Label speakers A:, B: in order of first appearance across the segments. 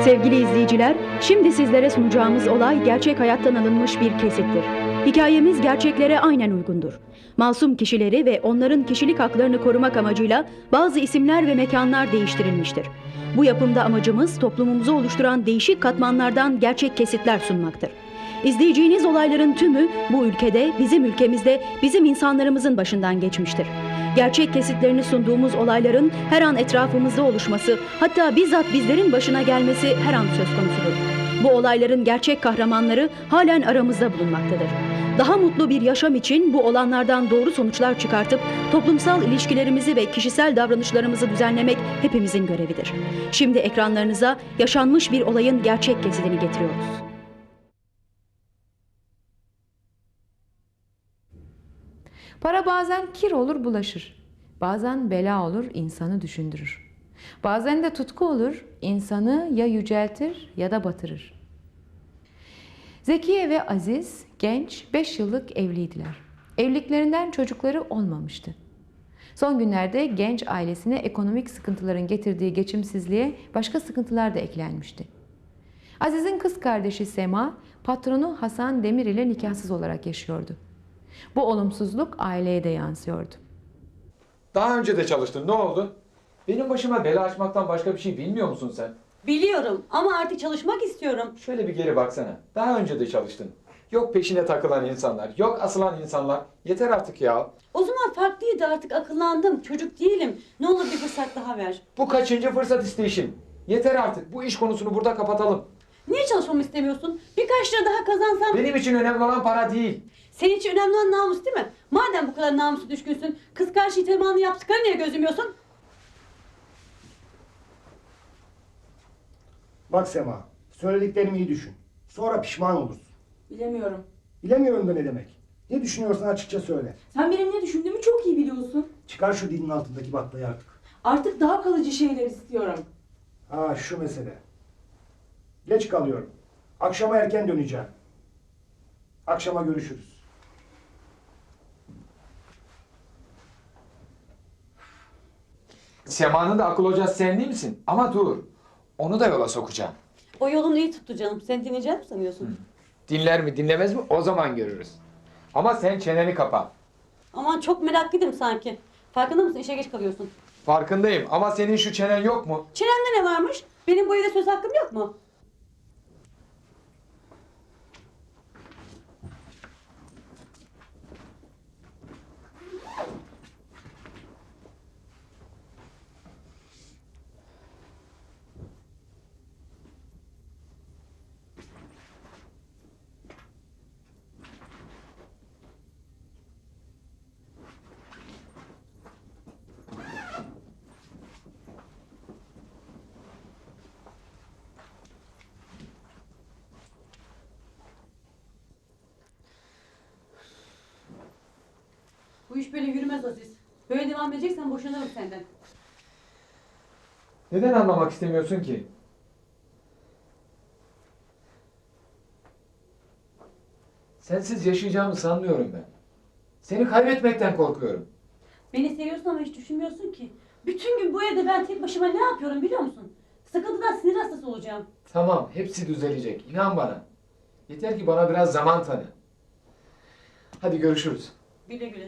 A: Sevgili izleyiciler, şimdi sizlere sunacağımız olay gerçek hayattan alınmış bir kesittir. Hikayemiz gerçeklere aynen uygundur. Masum kişileri ve onların kişilik haklarını korumak amacıyla bazı isimler ve mekanlar değiştirilmiştir. Bu yapımda amacımız toplumumuzu oluşturan değişik katmanlardan gerçek kesitler sunmaktır. İzleyeceğiniz olayların tümü bu ülkede, bizim ülkemizde, bizim insanlarımızın başından geçmiştir. Gerçek kesitlerini sunduğumuz olayların her an etrafımızda oluşması, hatta bizzat bizlerin başına gelmesi her an söz konusudur. Bu olayların gerçek kahramanları halen aramızda bulunmaktadır. Daha mutlu bir yaşam için bu olanlardan doğru sonuçlar çıkartıp toplumsal ilişkilerimizi ve kişisel davranışlarımızı düzenlemek hepimizin görevidir. Şimdi ekranlarınıza yaşanmış bir olayın gerçek kesitini getiriyoruz.
B: Para bazen kir olur bulaşır. Bazen bela olur insanı düşündürür. Bazen de tutku olur insanı ya yüceltir ya da batırır. Zekiye ve Aziz genç 5 yıllık evliydiler. Evliliklerinden çocukları olmamıştı. Son günlerde genç ailesine ekonomik sıkıntıların getirdiği geçimsizliğe başka sıkıntılar da eklenmişti. Aziz'in kız kardeşi Sema, patronu Hasan Demir ile nikahsız olarak yaşıyordu. Bu olumsuzluk aileye de yansıyordu.
C: Daha önce de çalıştın. Ne oldu? Benim başıma bela açmaktan başka bir şey bilmiyor musun sen?
D: Biliyorum ama artık çalışmak istiyorum.
C: Şöyle bir geri baksana. Daha önce de çalıştın. Yok peşine takılan insanlar, yok asılan insanlar. Yeter artık ya.
D: O zaman farklıydı, artık akıllandım. Çocuk değilim. Ne olur bir fırsat daha ver.
C: Bu kaçıncı fırsat isteyişin? Yeter artık. Bu iş konusunu burada kapatalım.
D: Niye çalışmamı istemiyorsun? Birkaç lira daha kazansam...
C: Benim için önemli olan para değil.
D: Senin için önemli olan namus değil mi? Madem bu kadar namusu düşkünsün, kız karşı itimanlı yaptıklarını niye gözümüyorsun?
E: Bak Sema, söylediklerimi iyi düşün. Sonra pişman olursun.
F: Bilemiyorum.
E: Bilemiyorum da ne demek. Ne düşünüyorsan açıkça söyle.
F: Sen benim ne düşündüğümü çok iyi biliyorsun.
E: Çıkar şu dilin altındaki baklayı artık.
F: Artık daha kalıcı şeyler istiyorum.
E: Ha şu mesele. Geç kalıyorum. Akşama erken döneceğim. Akşama görüşürüz.
C: Sema'nın da akıl hocası sen değil misin? Ama dur. Onu da yola sokacağım.
D: O yolunu iyi tuttu canım. Sen dinleyeceğini mi sanıyorsun?
C: Dinler mi dinlemez mi o zaman görürüz. Ama sen çeneni kapa.
D: Aman çok meraklıydım sanki. Farkında mısın? İşe geç kalıyorsun.
C: Farkındayım ama senin şu çenen yok mu?
D: Çenemde ne varmış? Benim bu evde söz hakkım yok mu? Bu iş böyle yürümez Aziz. Böyle devam edeceksen boşanırım senden.
C: Neden anlamak istemiyorsun ki? Sensiz yaşayacağımı sanmıyorum ben. Seni kaybetmekten korkuyorum.
D: Beni seviyorsun ama hiç düşünmüyorsun ki. Bütün gün bu evde ben tek başıma ne yapıyorum biliyor musun? Sıkıntıdan sinir hastası olacağım.
C: Tamam, hepsi düzelecek. İnan bana. Yeter ki bana biraz zaman tanı. Hadi görüşürüz.
D: Güle güle.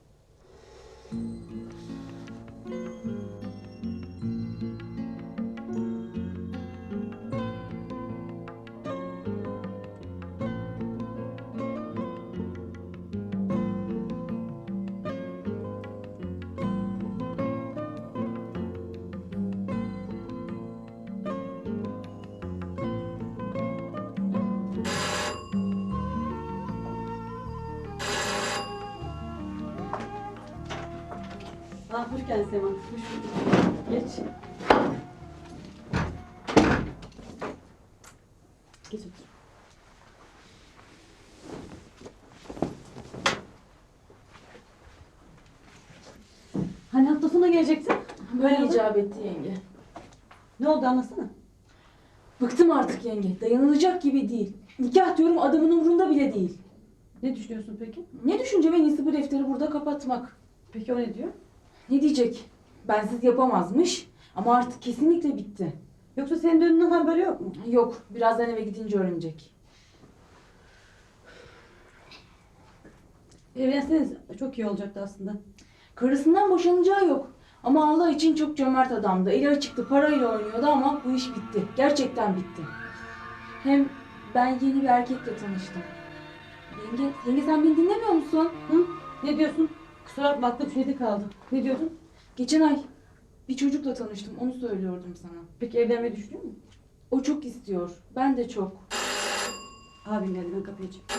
D: Ah, hoş geldin Sema. Hoş bulduk. Geç. Geç otur. Hani hafta sonu gelecektin?
F: Böyle icap etti yenge.
D: Ne oldu anlasana.
F: Bıktım artık yenge. Dayanılacak gibi değil. Nikah diyorum adamın umurunda bile değil.
D: Ne düşünüyorsun peki?
F: Ne düşüncem en iyisi bu defteri burada kapatmak.
D: Peki o ne diyor?
F: Ne diyecek? Bensiz yapamazmış ama artık kesinlikle bitti.
D: Yoksa senin dönümünden haberi yok mu?
F: Yok, birazdan eve gidince öğrenecek.
D: Evlenseniz çok iyi olacaktı aslında.
F: Karısından boşanacağı yok. Ama Allah için çok cömert adamdı. Eli açıktı, parayla oynuyordu ama bu iş bitti. Gerçekten bitti. Hem ben yeni bir erkekle tanıştım. Yenge sen beni dinlemiyor musun?
D: Hı? Ne diyorsun? Kusura bakma aklım şeyde kaldı. Ne diyordun?
F: Geçen ay bir çocukla tanıştım, onu söylüyordum sana.
D: Peki evlenmeyi düşünüyor musun?
F: O çok istiyor, ben de çok.
D: Abim geldi, ben kapıyı açayım.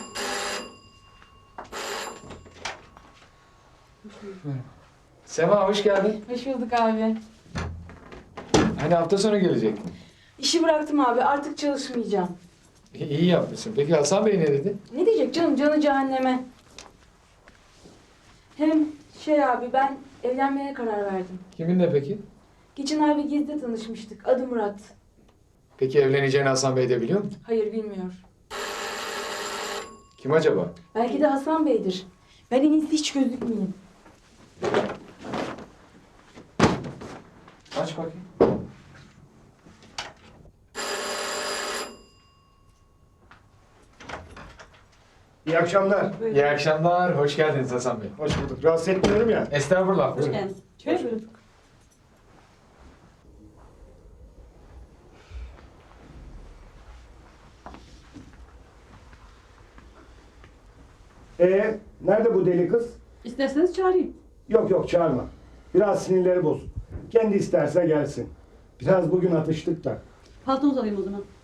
C: Sema hoş geldin.
F: Hoş bulduk abi.
C: Hani hafta sonu gelecek.
F: İşi bıraktım abi, artık çalışmayacağım.
C: İyi yapmışsın. Peki Hasan Bey ne dedi?
F: Ne diyecek canım, canı cehenneme. Hem abi ben evlenmeye karar verdim.
C: Kiminle peki?
F: Geçen ay bir gezide tanışmıştık, adı Murat.
C: Peki evleneceğini Hasan Bey de biliyor mu?
F: Hayır bilmiyor.
C: Kim acaba?
F: Belki de Hasan Bey'dir. Ben en iyisi hiç gözükmeyeyim.
C: Aç bakayım.
E: İyi akşamlar.
C: İyi akşamlar. Hoş geldiniz Hasan Bey.
E: Hoş bulduk. Rahatsız etmiyorum ya.
C: Estağfurullah.
D: Hoş
C: Buyurun.
D: geldin. Şöyle buyurun.
E: Nerede bu deli kız?
D: İsterseniz çağırayım.
E: Yok yok çağırma. Biraz sinirleri bozuk. Kendi isterse gelsin. Biraz bugün atıştık da.
D: Paltonuzu alayım o zaman.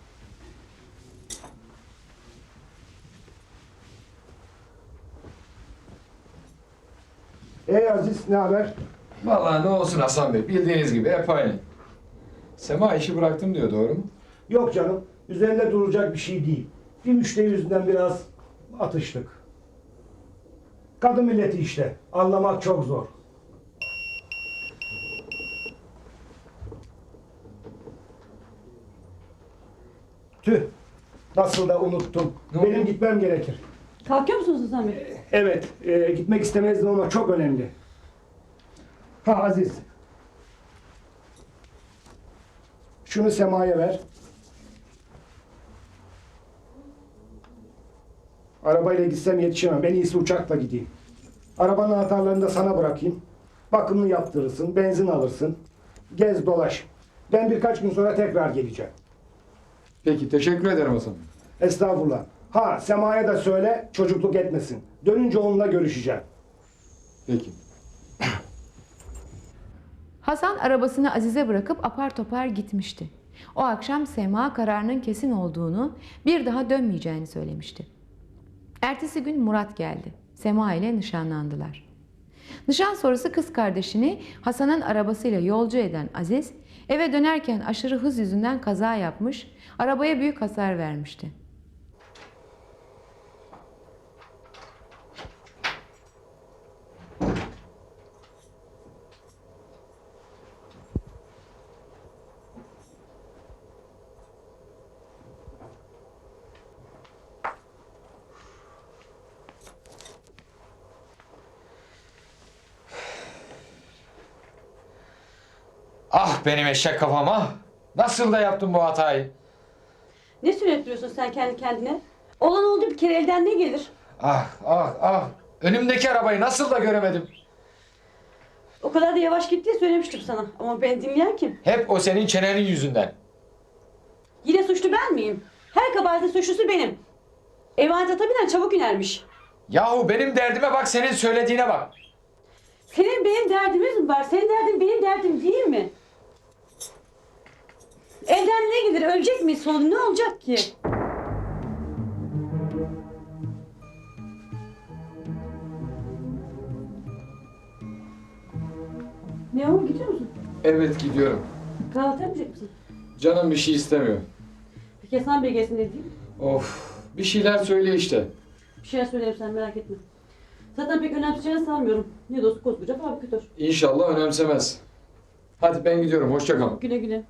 E: Aziz ne haber?
C: Vallahi ne olsun Hasan Bey. Bildiğiniz gibi hep aynı. Sema işi bıraktım diyor, doğru mu?
E: Yok canım. Üzerinde duracak bir şey değil. Bir müşteri yüzünden biraz atıştık. Kadın milleti işte. Anlamak çok zor. Tüh. Nasıl da unuttum.
C: Ne
E: Benim
C: oldu?
E: gitmem gerekir.
D: Kalkıyor musunuz Hasan Bey?
E: Evet. Gitmek istemezdim ama çok önemli. Ha Aziz. Şunu Sema'ya ver. Arabayla gitsem yetişemem. En iyisi uçakla gideyim. Arabanın anahtarlarını da sana bırakayım. Bakımını yaptırırsın, benzin alırsın. Gez dolaş. Ben birkaç gün sonra tekrar geleceğim.
C: Peki, teşekkür ederim Hasan Bey.
E: Estağfurullah. Ha Sema'ya da söyle çocukluk etmesin. Dönünce onunla görüşeceğim.
C: Peki.
B: Hasan arabasını Aziz'e bırakıp apar topar gitmişti. O akşam Sema kararının kesin olduğunu, bir daha dönmeyeceğini söylemişti. Ertesi gün Murat geldi. Sema ile nişanlandılar. Nişan sonrası kız kardeşini Hasan'ın arabasıyla yolcu eden Aziz, eve dönerken aşırı hız yüzünden kaza yapmış, arabaya büyük hasar vermişti.
C: Ah benim eşek kafama. Nasıl da yaptım bu hatayı?
D: Ne söylettiriyorsun sen kendi kendine? Olan oldu, bir kere elden ne gelir?
C: Ah ah ah. Önümdeki arabayı nasıl da göremedim.
D: O kadar da yavaş gitti diye söylemiştim sana. Ama ben dinleyen kim?
C: Hep o senin çenenin yüzünden.
D: Yine suçlu ben miyim? Her kabahatin suçlusu benim. Emanet ata binen çabuk inermiş.
C: Yahu benim derdime bak, senin söylediğine bak.
D: Senin benim derdimiz mi var? Senin derdin benim derdim değil mi? Elden ne gelir? Ölecek miyiz sonra? Ne olacak ki? Ne o? Gidiyor musun?
C: Evet gidiyorum.
D: Kahvaltı yapmayacak mısın?
C: Canım bir şey istemiyor.
D: Peki Hasan Bey gelsin ne diyeyim?
C: Of, bir şeyler söyle işte.
D: Bir şeyler söylerim, sen merak etme. Zaten pek önemseyeceğini sanmıyorum. Ne de olsa koskoca fabrikatör.
C: İnşallah önemsemez. Hadi ben gidiyorum, hoşça kal.
D: Güle güle.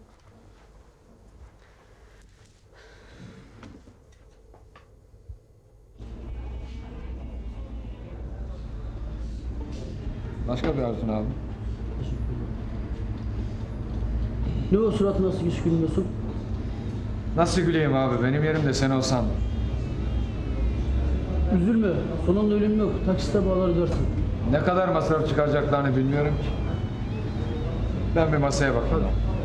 C: Başka bir arzun abi.
G: Ne o suratı nasıl hiç gülmüyorsun?
C: Nasıl güleyim abi? Benim yerimde sen olsan.
G: Üzülme. Sonunda ölüm yok. Taksite bağlar ödersin.
C: Ne kadar masraf çıkaracaklarını bilmiyorum ki. Ben bir masaya bakayım.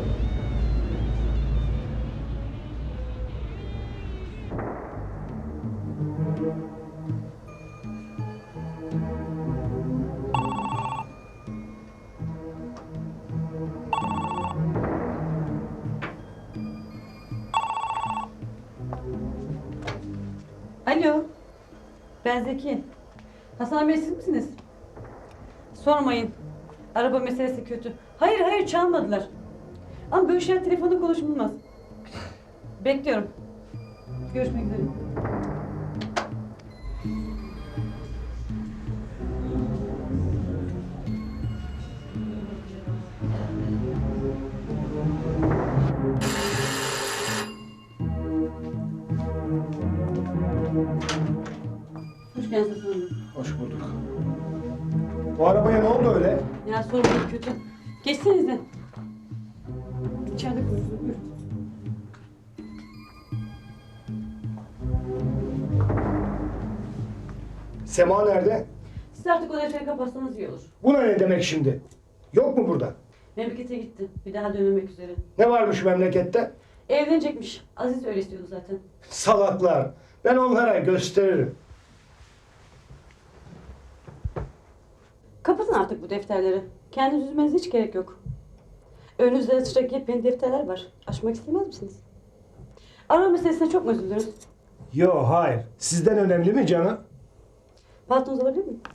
D: Alo. Ben Zeki. Hasan Bey siz misiniz? Sormayın. Araba meselesi kötü. Hayır hayır çalmadılar. Ama böyle şeyler telefonda konuşulmaz. Bekliyorum. Görüşmek üzere. Hoş geldiniz Hasan Bey.
E: Hoş bulduk. Bu arabaya ne oldu öyle?
D: Ya sormayın kötü. Geçsenize. İçeride konuşuruz. Buyurun.
E: Sema nerede?
D: Siz artık o defteri kapatsanız iyi olur.
E: Buna ne demek şimdi? Yok mu burada?
D: Memlekete gitti. Bir daha dönmemek üzere.
E: Ne varmış memlekette?
D: Evlenecekmiş. Aziz öyle istiyordu zaten.
E: Salaklar. Ben onlara gösteririm.
D: Kapatın artık bu defterleri. Kendinizi üzmenize hiç gerek yok. Önünüzde açacak yepyeni defterler var. Açmak istemez misiniz? Araba meselesine çok mu üzülürüz?
E: Yo hayır. Sizden önemli mi canım?
D: Paltonuzu alabilir miyim?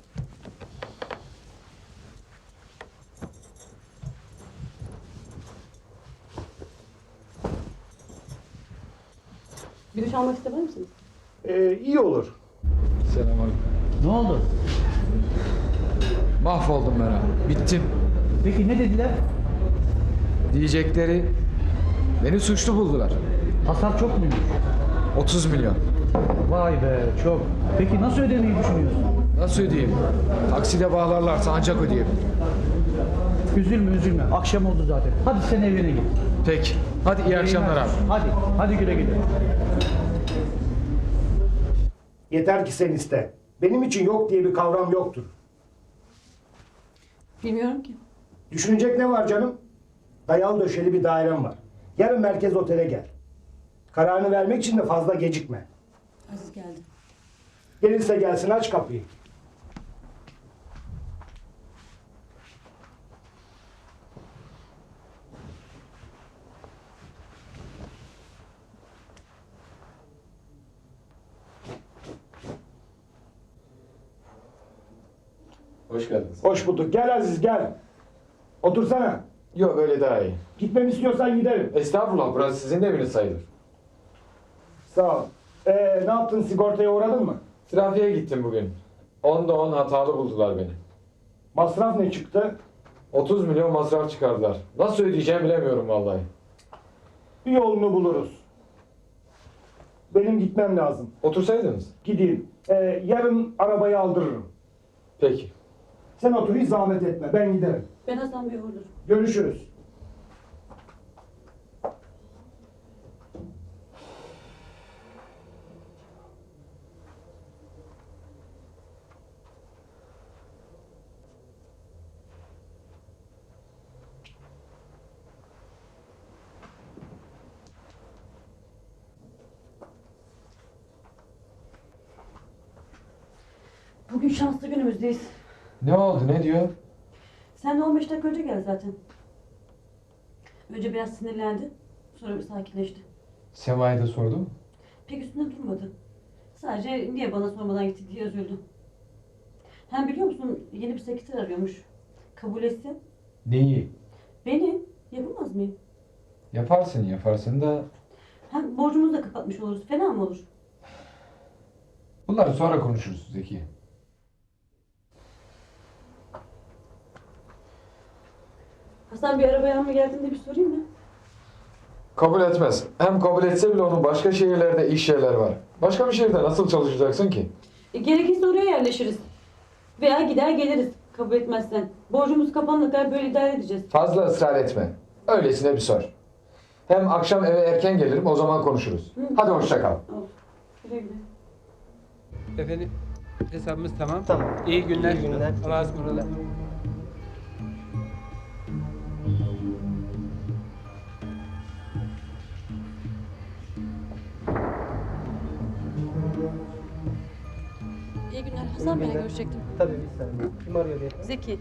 D: Bir duş almak istemez misiniz?
E: İyi olur.
C: Selamünaleyküm.
G: Ne oldu?
C: Mahvoldum ben abi. Bittim.
G: Peki ne dediler?
C: Diyecekleri beni suçlu buldular.
G: Hasar çok muymuş?
C: 30 milyon.
G: Vay be çok. Peki nasıl ödemeyi düşünüyorsun?
C: Nasıl ödeyeyim? Takside bağlarlarsa ancak ödeyebilirim.
G: Üzülme üzülme. Akşam oldu zaten. Hadi sen evine git.
C: Peki. Hadi iyi akşamlar abi.
G: Hadi güle güle.
E: Yeter ki sen iste. Benim için yok diye bir kavram yoktur.
D: Bilmiyorum ki.
E: Düşünecek ne var canım? Dayalı döşeli bir dairem var. Yarın merkez otele gel. Kararını vermek için de fazla gecikme.
D: Aziz geldi.
E: Gelirse gelsin, aç kapıyı.
C: Hoş geldiniz.
E: Hoş bulduk. Gel Aziz gel. Otursana.
C: Yok öyle daha iyi.
E: Gitmemi istiyorsan giderim.
C: Estağfurullah, burası sizin de eviniz sayılır.
E: Sağ ol. Ne yaptın, sigortaya uğradın mı?
C: Trafiğe gittim bugün. 10'da 10 hatalı buldular beni.
E: Masraf ne çıktı?
C: 30 milyon masraf çıkardılar. Nasıl ödeyeceğimi bilemiyorum vallahi.
E: Bir yolunu buluruz. Benim gitmem lazım.
C: Otursaydınız.
E: Gideyim. Yarın arabayı aldırırım.
C: Peki.
E: Sen otur, hiç zahmet etme. Ben giderim.
D: Ben Hasan Bey'e uğurlarım.
E: Görüşürüz.
D: Bugün şanslı günümüzdeyiz.
C: Ne oldu, ne diyor?
D: Sen de 15 dakika önce gel zaten. Önce biraz sinirlendi. Sonra bir sakinleşti.
C: Sema'ya da sordum.
D: Pek üstünde durmadı. Sadece niye bana sormadan gitti diye üzüldü. Hem biliyor musun yeni bir sekreter arıyormuş. Kabul etsin.
C: Neyi?
D: Beni yapamaz mıyım?
C: Yaparsın da...
D: Hem borcumuzu da kapatmış oluruz. Fena mı olur?
C: Bunları sonra konuşuruz Zeki.
D: Hasan bir arabaya mı geldiğinde bir sorayım mı?
C: Kabul etmez. Hem kabul etse bile onun başka şehirlerde iş yerler var. Başka bir şehirde nasıl çalışacaksın ki?
D: Gerekirse oraya yerleşiriz. Veya gider geliriz kabul etmezsen. Borcumuz kapanana kadar böyle idare edeceğiz.
C: Fazla ısrar etme. Öylesine bir sor. Hem akşam eve erken gelirim, o zaman konuşuruz. Hadi hoşça kal.
D: Of. Güle güle.
H: Efendim hesabımız tamam.
I: Tamam.
H: İyi günler.
I: İyi günler.
H: Allah'a ısmarladık.
D: İyi günler. Hasan Bey'le görüşecektim.
I: Tabii bir saniye. Kim arıyor beyefendi?
D: Zeki.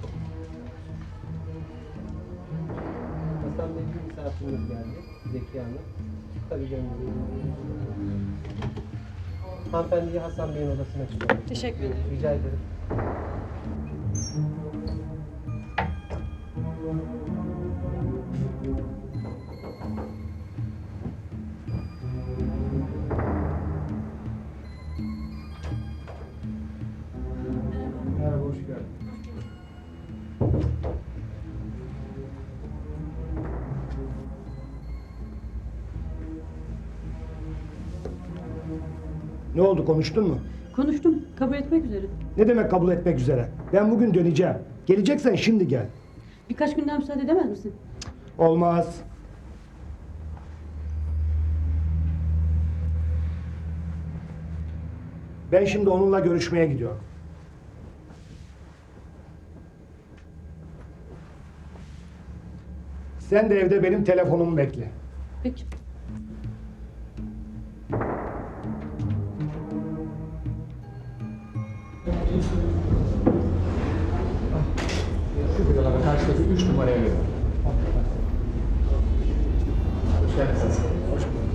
I: Hasan Bey bir misafirimiz geldi. Zeki Hanım. Tabii göndereyim. Hanımefendiyi Hasan Bey'in odasına çıkarın.
D: Teşekkür ederim.
I: Rica ederim.
E: Merhaba, hoş geldin. Ne oldu, konuştun mu?
D: Konuştum. Kabul etmek üzere.
E: Ne demek kabul etmek üzere? Ben bugün döneceğim. Geleceksen şimdi gel.
D: Birkaç günden müsaade edemez misin?
E: Olmaz. Ben şimdi onunla görüşmeye gidiyorum. Sen de evde benim telefonumu bekle.
D: Peki.
C: Şu buralara karşıdaki 3 numaraya gelin. Hoş geldiniz. Hoş bulduk.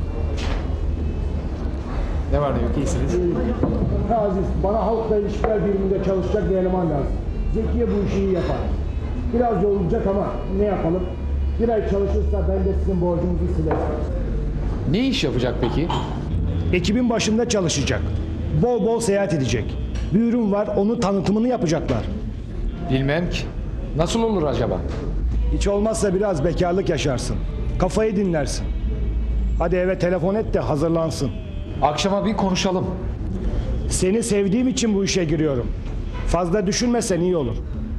C: Ne var ne yok, iyisiniz?
E: Aziz, bana halkla ilişkiler biriminde çalışacak bir eleman lazım. Zekiye bu işi iyi yapar. Biraz yorulacak ama ne yapalım? Bir ay çalışırsa ben de sizin borcunuzu silerim.
C: Ne iş yapacak peki?
E: Ekibin başında çalışacak. Bol bol seyahat edecek. Bir ürün var, onun tanıtımını yapacaklar.
C: Bilmem ki. Nasıl olur acaba?
E: Hiç olmazsa biraz bekarlık yaşarsın. Kafayı dinlersin. Hadi eve telefon et de hazırlansın.
C: Akşama bir konuşalım.
E: Seni sevdiğim için bu işe giriyorum. Fazla düşünmesen iyi olur.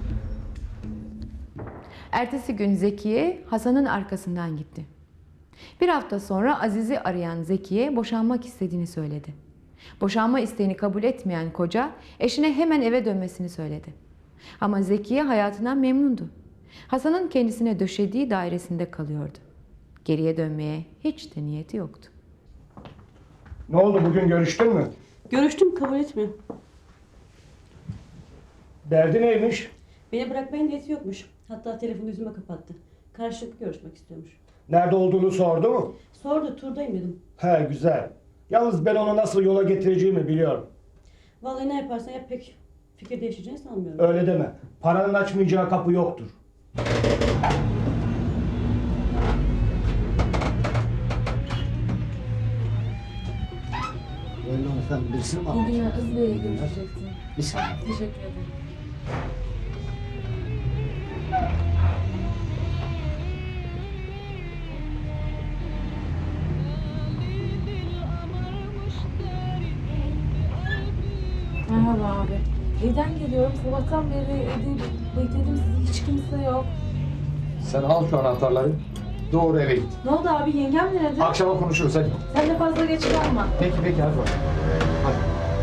B: Ertesi gün Zekiye Hasan'ın arkasından gitti. Bir hafta sonra Aziz'i arayan Zekiye boşanmak istediğini söyledi. Boşanma isteğini kabul etmeyen koca eşine hemen eve dönmesini söyledi. Ama Zekiye hayatından memnundu. Hasan'ın kendisine döşediği dairesinde kalıyordu. Geriye dönmeye hiç de niyeti yoktu.
E: Ne oldu, bugün görüştün mü?
D: Görüştüm. Kabul etmiyor.
E: Derdi neymiş?
D: Beni bırakmaya niyeti yokmuş. Hatta telefonu yüzüme kapattı. Karşılıklı görüşmek istiyormuş.
E: Nerede olduğunu sordu mu?
D: Sordu. Turdayım dedim.
E: He, güzel. Yalnız ben onu nasıl yola getireceğimi biliyorum.
D: Vallahi ne yaparsan yap pek fikir değişeceğini sanmıyorum.
E: Öyle deme. Paranın açmayacağı kapı yoktur.
J: Buyurun efendim, birisini mi almış?
F: Bugün Aziz Bey'le görüşecektim.
J: Bir saniye.
F: Teşekkür ederim. Merhaba abi. Evden geliyorum. Sabahtan beri evde bekledim sizi. Hiç kimse yok.
C: Sen al şu anahtarları. Doğru eve git.
F: Ne oldu abi? Yengem nerede?
C: Akşama konuşuruz hadi.
F: Sen de fazla geç kalma.
C: Peki hadi bakalım. Hadi.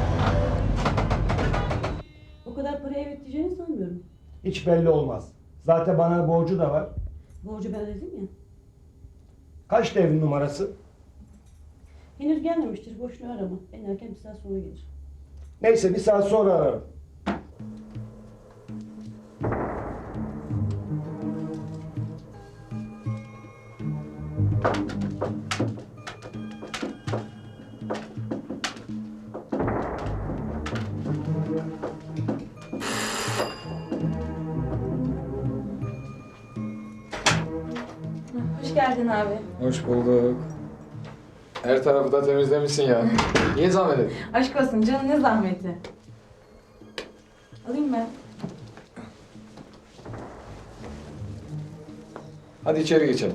D: O kadar paraya evet diyeceğini sanmıyorum.
E: Hiç belli olmaz. Zaten bana borcu da var.
D: Borcu ben ödedim ya.
E: Kaç evin numarası?
D: Henüz gelmemiştir. Boşuna arama. En erken bir saat sonra gelir.
E: Neyse, bir saat sonra ararım.
F: Hoş geldin abi.
C: Hoş bulduk. Her tarafı da temizlemişsin ya. Niye zahmet ettin?
F: Aşk olsun canım, ne zahmeti. Alayım ben.
C: Hadi içeri geçelim.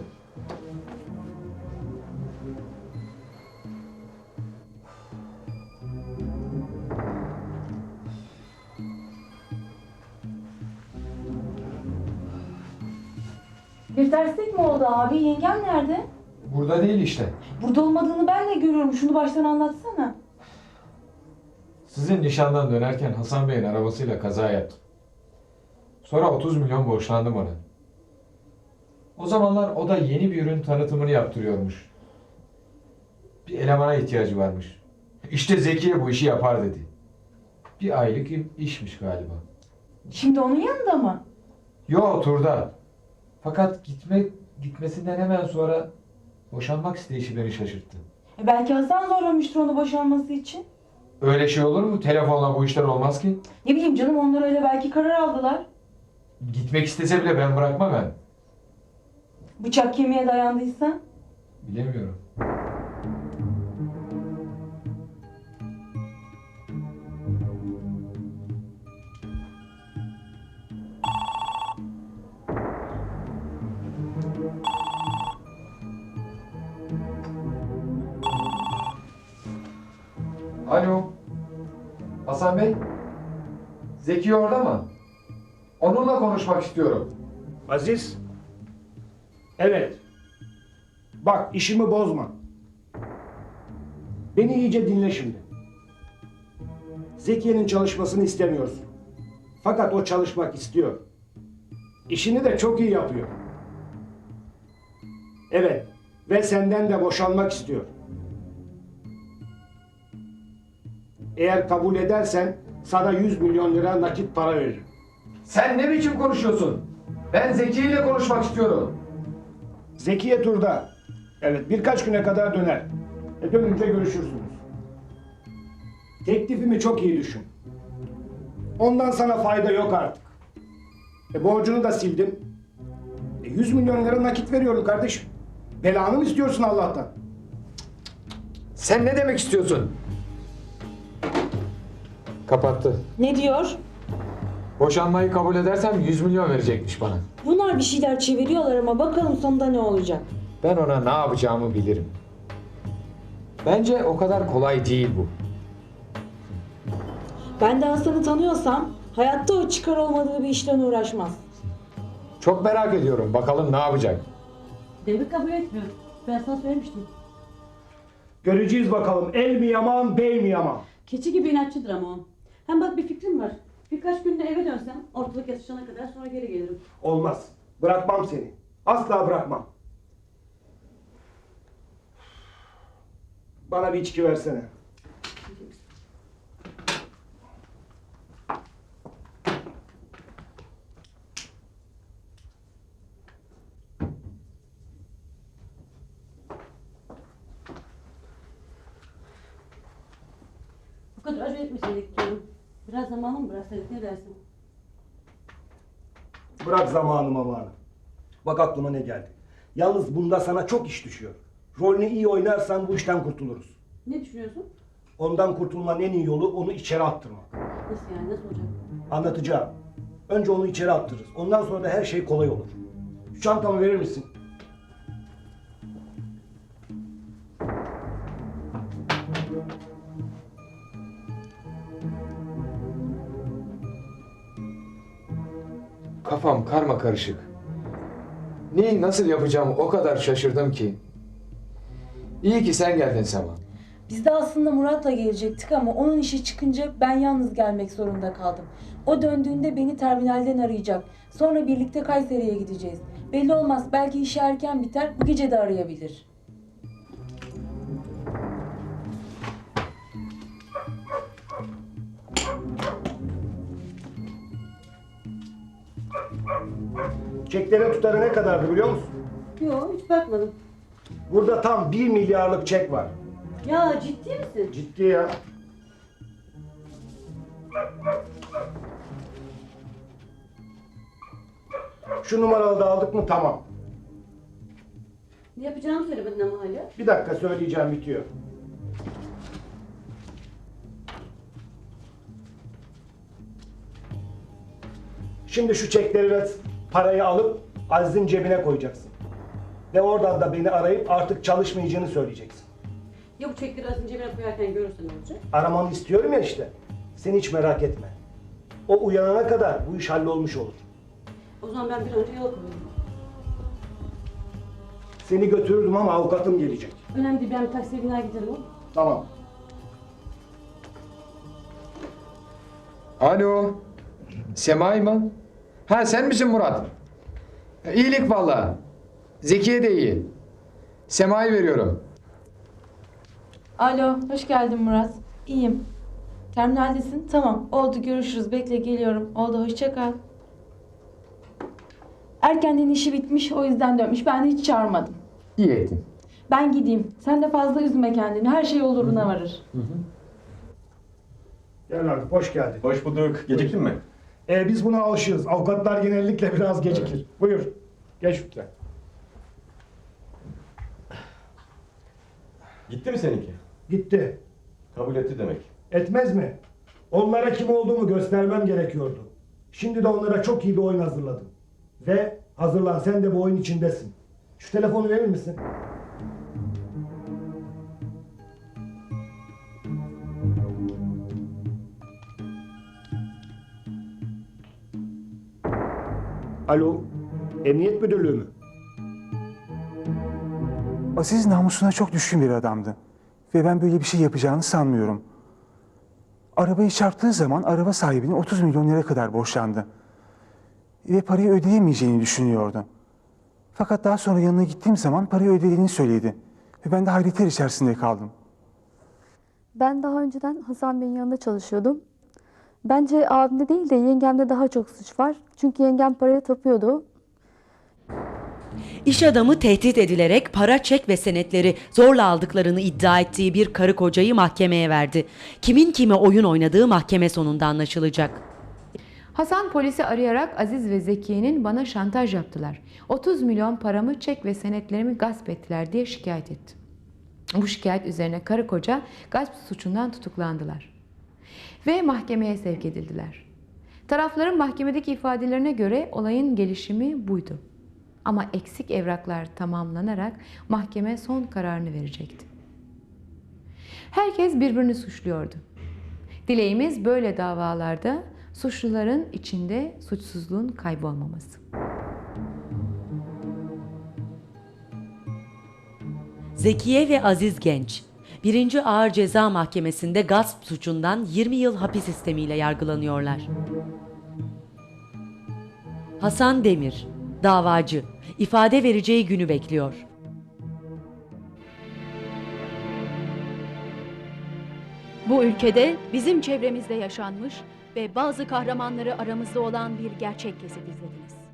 F: Bir terslik mi oldu abi? Yengem nerede?
C: Burada değil işte.
F: Burada olmadığını ben de görüyorum. Şunu baştan anlatsana.
C: Sizin nişandan dönerken Hasan Bey'in arabasıyla kaza yaptım. Sonra 30 milyon borçlandım ona. O zamanlar o da yeni bir ürün tanıtımını yaptırıyormuş. Bir elemana ihtiyacı varmış. İşte Zekiye bu işi yapar dedi. Bir aylık işmiş galiba.
F: Şimdi onun yanında mı?
C: Yo, turda. Fakat gitmesinden hemen sonra boşanmak isteyişi beni şaşırttı.
F: Belki Hasan zorlamıştır onu boşanması için.
C: Öyle şey olur mu? Telefonla bu işler olmaz ki.
F: Ne bileyim canım, onlar öyle belki karar aldılar.
C: Gitmek istese bile ben bırakmam ben.
F: Bıçak kemiğe dayandıysa.
C: Bilemiyorum. Alo. Hasan Bey. Zeki orada mı? Onunla konuşmak istiyorum.
E: Aziz. Evet. Bak, işimi bozma. Beni iyice dinle şimdi. Zekiye'nin çalışmasını istemiyorsun. Fakat o çalışmak istiyor. İşini de çok iyi yapıyor. Evet. Ve senden de boşanmak istiyor. Eğer kabul edersen sana 100 milyon lira nakit para veririm.
C: Sen ne biçim konuşuyorsun? Ben Zeki ile konuşmak istiyorum.
E: Zekiye turda. Evet, birkaç güne kadar döner. Dönünce görüşürsünüz. Teklifimi çok iyi düşün. Ondan sana fayda yok artık. Borcunu da sildim. 100 milyon lira nakit veriyorum kardeşim. Belanı mı istiyorsun Allah'tan?
C: Sen ne demek istiyorsun? Kapattı.
D: Ne diyor?
C: Boşanmayı kabul edersem 100 milyon verecekmiş bana.
D: Bunlar bir şeyler çeviriyorlar ama bakalım sonunda ne olacak.
C: Ben ona ne yapacağımı bilirim. Bence o kadar kolay değil bu.
D: Ben de Hasan'ı tanıyorsam hayatta o çıkar olmadığı bir işten uğraşmaz.
C: Çok merak ediyorum. Bakalım ne yapacak?
D: Devlet kabul etmiyor. Ben sana söylemiştim.
E: Göreceğiz bakalım. El mi yaman, bey mi yaman?
D: Keçi gibi inatçıdır ama o. Hem bak, bir fikrim var. Birkaç günde eve dönsem ortalık yatışana kadar sonra geri gelirim.
E: Olmaz. Bırakmam seni. Asla bırakmam. Bana bir içki versene.
D: Bu kadar acele etmeseydik diyorum. Biraz zamanımı bıraksaydık, ne dersin?
E: Bırak zamanı. Bak aklıma ne geldi. Yalnız bunda sana çok iş düşüyor. Rolünü iyi oynarsan bu işten kurtuluruz.
D: Ne düşünüyorsun?
E: Ondan kurtulmanın en iyi yolu onu içeri attırmak.
D: Nasıl yani, nasıl olacak?
E: Anlatacağım. Önce onu içeri attırırız. Ondan sonra da her şey kolay olur. Şu çantamı verir misin?
C: Kafam karma karışık. Neyi nasıl yapacağımı o kadar şaşırdım ki. İyi ki sen geldin Sema.
F: Biz de aslında Murat'la gelecektik ama onun işi çıkınca ben yalnız gelmek zorunda kaldım. O döndüğünde beni terminalden arayacak. Sonra birlikte Kayseri'ye gideceğiz. Belli olmaz, belki işi erken biter, bu gece de arayabilir.
E: Çeklerin tutarı ne kadardı biliyor musun?
D: Yok, hiç bakmadım.
E: Burada tam 1 milyarlık çek var.
D: Ya ciddi misin?
E: Ciddi ya. Şu numaralı da aldık mı tamam.
D: Ne yapacağımı söylemedin ama hala.
E: Bir dakika söyleyeceğim, bitiyor. Şimdi şu çekleri ve parayı alıp Aziz'in cebine koyacaksın. Ve oradan da beni arayıp artık çalışmayacağını söyleyeceksin.
D: Ya bu çekleri az cebine koyarken görürsen ne olacak?
E: Aramanı istiyorum ya işte. Sen hiç merak etme. O uyanana kadar bu iş hallolmuş olur.
D: O zaman ben bir an önce yola koyayım.
E: Seni götürürdüm ama avukatım gelecek.
D: Önemli değil, ben bir taksiye biner giderim.
E: Tamam.
C: Alo. Semay mı? Ha sen misin Murat? İyilik vallahi. Zekiye de iyi. Sema'yı veriyorum.
F: Alo, hoş geldin Murat. İyiyim. Terminaldesin? Tamam, oldu, görüşürüz. Bekle, geliyorum. Oldu, hoşça kal. Erkenden işi bitmiş, o yüzden dönmüş. Ben de hiç çağırmadım.
C: İyi ettin.
F: Ben gideyim. Sen de fazla üzme kendini. Her şey oluruna varır.
E: Gel Ragıp, hoş geldin.
K: Hoş bulduk. Geciktin mi?
E: Biz buna alışığız. Avukatlar genellikle biraz gecikir. Buyur. Geç lütfen.
K: Gitti mi seninki?
E: Gitti.
K: Kabul etti demek.
E: Etmez mi? Onlara kim olduğumu göstermem gerekiyordu. Şimdi de onlara çok iyi bir oyun hazırladım. Ve hazırlan, sen de bu oyun içindesin. Şu telefonu verir misin? Alo, Emniyet Müdürlüğü mü?
L: Aziz namusuna çok düşkün bir adamdı. Ve ben böyle bir şey yapacağını sanmıyorum. Arabayı çarptığı zaman araba sahibine 30 milyon lira kadar borçlandı. Ve parayı ödeyemeyeceğini düşünüyordu. Fakat daha sonra yanına gittiğim zaman parayı ödediğini söyledi. Ve ben de hayretler içerisinde kaldım.
M: Ben daha önceden Hasan Bey'in yanında çalışıyordum. Bence abimde değil de yengemde daha çok suç var. Çünkü yengem paraya tapıyordu.
N: İş adamı tehdit edilerek para, çek ve senetleri zorla aldıklarını iddia ettiği bir karı kocayı mahkemeye verdi. Kimin kime oyun oynadığı mahkeme sonunda anlaşılacak.
B: Hasan polisi arayarak Aziz ve Zekiye'nin bana şantaj yaptılar. 30 milyon paramı, çek ve senetlerimi gasp ettiler diye şikayet etti. Bu şikayet üzerine karı koca gasp suçundan tutuklandılar. Ve mahkemeye sevk edildiler. Tarafların mahkemedeki ifadelerine göre olayın gelişimi buydu. Ama eksik evraklar tamamlanarak mahkeme son kararını verecekti. Herkes birbirini suçluyordu. Dileğimiz böyle davalarda suçluların içinde suçsuzluğun kaybolmaması.
N: Zekiye ve Aziz Genç, 1. Ağır Ceza Mahkemesi'nde gasp suçundan 20 yıl hapis sistemiyle yargılanıyorlar. Hasan Demir, davacı, ifade vereceği günü bekliyor.
A: Bu ülkede bizim çevremizde yaşanmış ve bazı kahramanları aramızda olan bir gerçek kesit izlediniz.